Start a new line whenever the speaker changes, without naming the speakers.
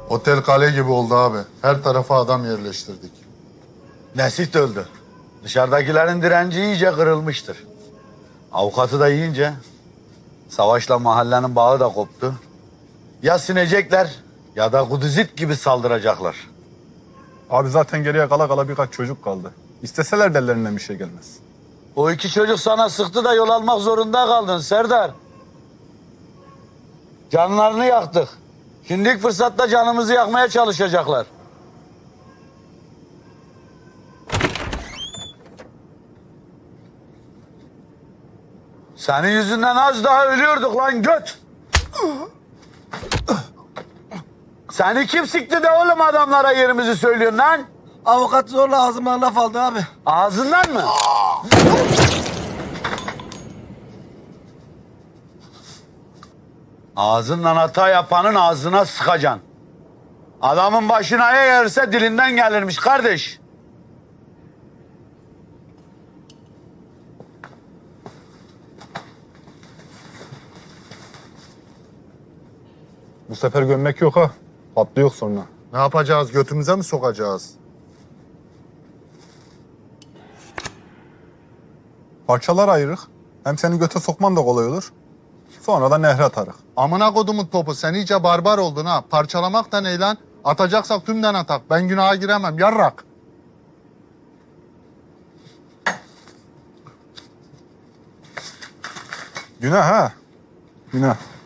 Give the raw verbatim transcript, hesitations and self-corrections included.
Otel kale gibi oldu abi. Her tarafa adam yerleştirdik.
Nesit öldü. Dışarıdakilerin direnci iyice kırılmıştır. Avukatı da yiyince savaşla mahallenin bağı da koptu. Ya sinecekler ya da Kuduzit gibi saldıracaklar.
Abi zaten geriye kala kala birkaç çocuk kaldı. İsteseler de ellerinden bir şey gelmez.
O iki çocuk sana sıktı da yol almak zorunda kaldın Serdar. Canlarını yaktık. Şimdi ilk fırsatta canımızı yakmaya çalışacaklar. Senin yüzünden az daha ölüyorduk lan göt. Seni kim sikti de oğlum adamlara yerimizi söylüyorsun lan?
Avukat zorla ağzıma laf aldı abi.
Ağzından mı? Ağzından hata yapanın ağzına sıkacaksın. Adamın başına eğerse dilinden gelirmiş kardeş.
Bu sefer gömmek yok ha. Patlı yok sonra.
Ne yapacağız? Götümüze mi sokacağız?
Parçalar ayırık. Hem seni göte sokman da kolay olur. Sonra da nehre atarık.
Amına kodumun topu, sen iyice barbar oldun ha. Parçalamak da ne lan? Atacaksak tümden atak. Ben günaha giremem. Yarrak.
Günah ha. Günah.